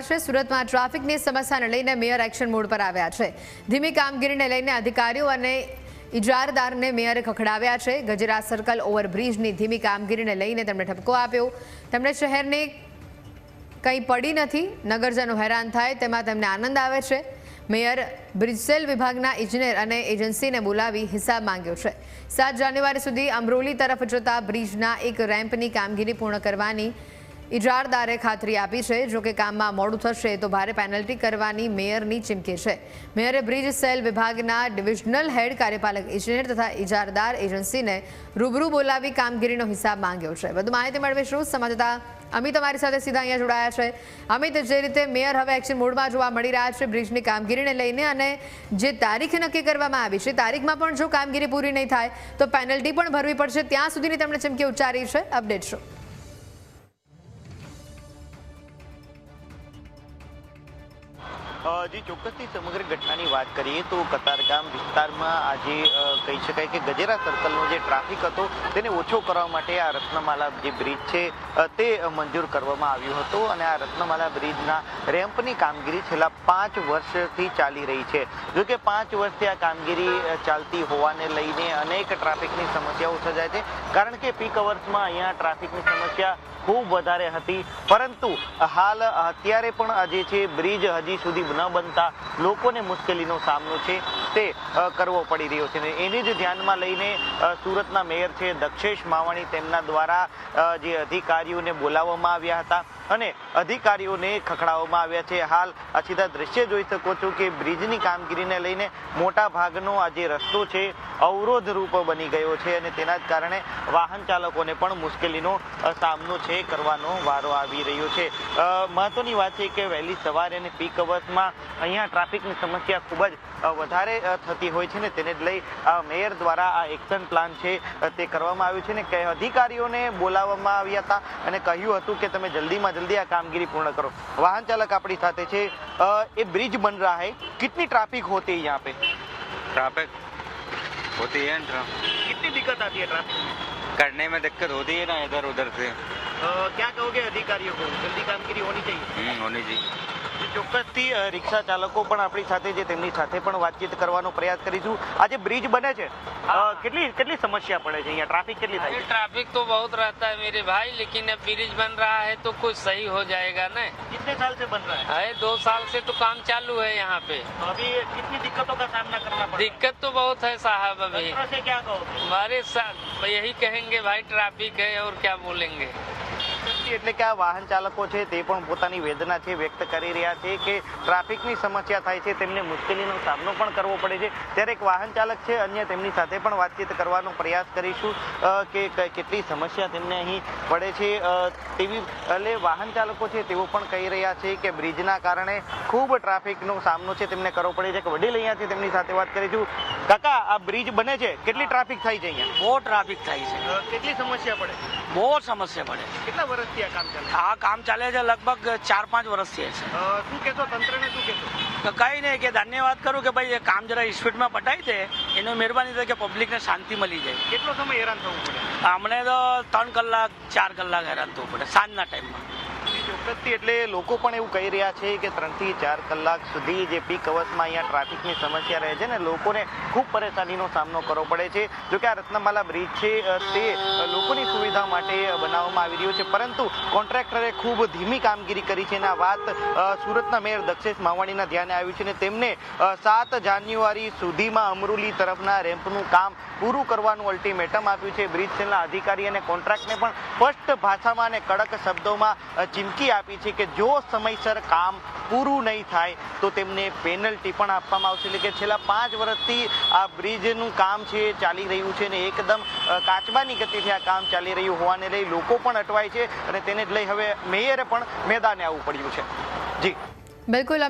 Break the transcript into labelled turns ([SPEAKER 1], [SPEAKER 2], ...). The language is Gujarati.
[SPEAKER 1] છે। સુરતમાં ટ્રાફિકની સમસ્યાને લઈને મેયર એક્શન મોડ પર આવ્યા છે। ધીમી કામગીરીને લઈને અધિકારીઓ અને ઇજારદારને મેયરે ખખડાવ્યા છે। ગજેરા સર્કલ ઓવરબ્રિજની ધીમી કામગીરીને લઈને તેમણે ઠપકો આપ્યો। તેમણે શહેરને કંઈ પડી નથી, નગરજનો હેરાન થાય તેમાં તેમને આનંદ આવે છે। મેયર બ્રિજસેલ વિભાગના ઇજનેર અને એજન્સીને બોલાવી હિસાબ માંગ્યો છે। 7 જાન્યુઆરી સુધી અમરોલી તરફ જતા બ્રિજના એક રેમ્પની કામગીરી પૂર્ણ કરવાની ઇજારદારે ખાતરી આપી છે। જો કે કામમાં મોડું થશે તો ભારે પેનલ્ટી કરવાની મેયરની ચીમકી છે। મેયરે બ્રિજ સેલ વિભાગના ડિવિઝનલ હેડ, કાર્યપાલક ઇજનેર તથા ઇજારદાર એજન્સીને રૂબરૂ બોલાવી કામગીરીનો હિસાબ માંગ્યો છે। વધુ માહિતી મેળવીશું સંવાદદાતા અમિત અમારી સાથે સીધા અહીંયા જોડાયા છે। અમિત, જે રીતે મેયર હવે એક્શન મોડમાં જોવા મળી રહ્યા છે બ્રિજની કામગીરીને લઈને અને જે તારીખ નક્કી કરવામાં આવી છે, તારીખમાં પણ જો કામગીરી પૂરી નહીં થાય તો પેનલ્ટી પણ ભરવી પડશે, ત્યાં સુધીની તેમણે ચીમકી ઉચ્ચારી છે। અપડેટ શું?
[SPEAKER 2] जी ચોક્કસથી સમગ્ર ઘટનાની વાત કરીએ તો કતારગામ વિસ્તારમાં આજે કહી શકાય કે ગજેરા સર્કલનો જે ટ્રાફિક હતો તેને ઓછો કરવા માટે આ રત્નમાલા જે બ્રિજ છે તે મંજૂર કરવામાં આવ્યો હતો અને આ રત્નમાલા બ્રિજના રેમ્પની કામગીરી છેલ્લા 5 વર્ષથી ચાલી રહી છે। જો કે 5 વર્ષથી આ કામગીરી ચાલતી હોવાને લઈને અનેક ટ્રાફિકની સમસ્યાઓ સર્જાય છે, કારણ કે પીક અવર્સમાં અહીંયા ટ્રાફિકની સમસ્યા ખૂબ વધારે હતી, પરંતુ હાલ અત્યારે પણ આ જે છે બ્રિજ હજી સુધી ન બનતા લોકોને મુશ્કેલીનો સામનો છે તે કરવો પડી રહ્યો છે। એને જ ધ્યાનમાં લઈને સુરતના મેયર છે દક્ષેશ માવાણી, તેમના દ્વારા જે અધિકારીઓને બોલાવવામાં આવ્યા હતા અને અધિકારીઓને ખખડાવવામાં આવ્યા છે। હાલ આ સીધા દ્રશ્ય જોઈ શકો છો કે બ્રિજની કામગીરીને લઈને મોટા ભાગનો આ જે રસ્તો છે અવરોધ રૂપ બની ગયો છે અને તેના જ કારણે વાહન ચાલકોને પણ મુશ્કેલીનો સામનો છે કરવાનો વારો આવી રહ્યો છે। મહત્વની વાત છે કે વહેલી સવારે અને પીક અવર્સમાં અહીંયા ટ્રાફિકની સમસ્યા ખૂબ જ વધારે થતી હોય છે ને તેને જ લઈ મેયર દ્વારા આ એક્શન પ્લાન છે તે કરવામાં આવ્યું છે ને કે અધિકારીઓને બોલાવવામાં આવ્યા હતા અને કહ્યું હતું કે તમે જલ્દીમાં જલ્દી આ કામગીરી પૂર્ણ કરો। વાહન ચાલક આપણી સાથે છે। ये ब्रिज बन रहा है, कितनी ट्रैफिक होती है यहाँ पे?
[SPEAKER 3] ट्रैफिक होती है ना,
[SPEAKER 2] कितनी दिक्कत आती है ट्रैफिक में?
[SPEAKER 3] करने में दिक्कत होती है ना इधर उधर से।
[SPEAKER 2] क्या कहोगे अधिकारियों को, जल्दी कामगिरी होनी चाहिए?
[SPEAKER 3] होनी चाहिए।
[SPEAKER 2] ચોક્કસથી રિક્ષા ચાલકો પણ આપણી સાથે છે, તેમની સાથે પણ વાતચીત કરવાનો પ્રયાસ કરીશું। આ જે બ્રિજ બને છે કેટલી સમસ્યા પડે છે અહીંયા, ટ્રાફિક કેટલી થાય છે?
[SPEAKER 4] ट्रैफिक तो बहुत रहता है मेरे भाई, लेकिन अब ब्रिज बन रहा है तो कुछ सही हो जाएगा ना।
[SPEAKER 2] कितने साल से बन रहा है?
[SPEAKER 4] 2 साल से तो काम चालू है यहाँ पे।
[SPEAKER 2] तो अभी कितनी दिक्कतों का सामना करना पड़ा?
[SPEAKER 4] दिक्कत तो बहुत है साहब। अभी
[SPEAKER 2] से क्या कहोगे?
[SPEAKER 4] हमारे साथ यही कहेंगे भाई, ट्रैफिक है और क्या बोलेंगे।
[SPEAKER 2] એટલે કે આ વાહન ચાલકો છે તે પણ પોતાની વેદના છે વ્યક્ત કરી રહ્યા છે કે ટ્રાફિકની સમસ્યા થાય છે, તેમને મુશ્કેલીનો સામનો પણ કરવો પડે છે। ત્યારે એક વાહન ચાલક છે અન્ય, તેમની સાથે પણ વાતચીત કરવાનો પ્રયાસ કરીશું કે કેટલી સમસ્યા તેમને અહીં પડે છે તેવી। એટલે વાહન ચાલકો છે તેઓ પણ કહી રહ્યા છે કે બ્રિજના કારણે ખૂબ ટ્રાફિકનો સામનો છે તેમને કરવો પડે છે। કે વડીલ અહીંયા છે, તેમની સાથે વાત કરીશું। કાકા, આ બ્રિજ બને છે, કેટલી ટ્રાફિક થાય છે અહીંયા?
[SPEAKER 5] બહુ ટ્રાફિક થાય છે,
[SPEAKER 2] કેટલી સમસ્યા પડે?
[SPEAKER 5] બહુ સમસ્યા પડે।
[SPEAKER 2] કેટલા વર્ષથી આ કામ ચાલે?
[SPEAKER 5] આ કામ ચાલે છે લગભગ 4-5 વર્ષથી છે।
[SPEAKER 2] શું કહેશો તંત્રને, શું કહેશો?
[SPEAKER 5] તો કઈ નહીં કે ધન્યવાદ કરું કે ભાઈ એ કામ જરા સ્પીડમાં પટાઈ દે, એનો મહેરબાની થાય કે પબ્લિકને શાંતિ મળી જાય।
[SPEAKER 2] કેટલો સમય હેરાન થવું પડે?
[SPEAKER 5] અમને તો 3 કલાક 4 કલાક હેરાન થવું પડે સાંજના ટાઈમમાં।
[SPEAKER 2] ચોક્કસથી એટલે લોકો પણ એવું કહી રહ્યા છે કે 3 થી 4 કલાક સુધી જે પીક અવર્સમાં અહીંયા ટ્રાફિકની સમસ્યા રહે છે ને લોકોને ખૂબ પરેશાનીનો સામનો કરવો પડે છે। જો કે આ રત્નમાલા બ્રિજ છે તે લોકોની સુવિધા માટે બનાવવામાં આવી રહ્યો છે, પરંતુ કોન્ટ્રાક્ટરે ખૂબ ધીમી કામગીરી કરી છે અને આ વાત સુરતના મેયર દક્ષેશ માવાણીના ધ્યાને આવ્યું છે અને તેમને 7 જાન્યુઆરી સુધીમાં અમરોલી તરફના રેમ્પનું કામ પૂરું કરવાનું અલ્ટિમેટમ આપ્યું છે। બ્રિજ સેલના અધિકારી અને કોન્ટ્રાક્ટને પણ સ્પષ્ટ ભાષામાં અને કડક શબ્દોમાં ચીમકી આપી છે કે જો સમયસર કામ પૂરું નહીં થાય તો તેમને પેનલ્ટી પણ આપવામાં આવશે। એટલે કે છેલ્લા 5 વર્ષથી આ બ્રિજનું કામ છે ચાલી રહ્યું છે અને એકદમ કાચબાની ગતિથી આ કામ ચાલી રહ્યું હોવાને લઈ લોકો પણ અટવાય છે અને તેને જ લઈ હવે મેયરે પણ મેદાને આવવું પડ્યું છે। જી
[SPEAKER 1] બિલકુલ।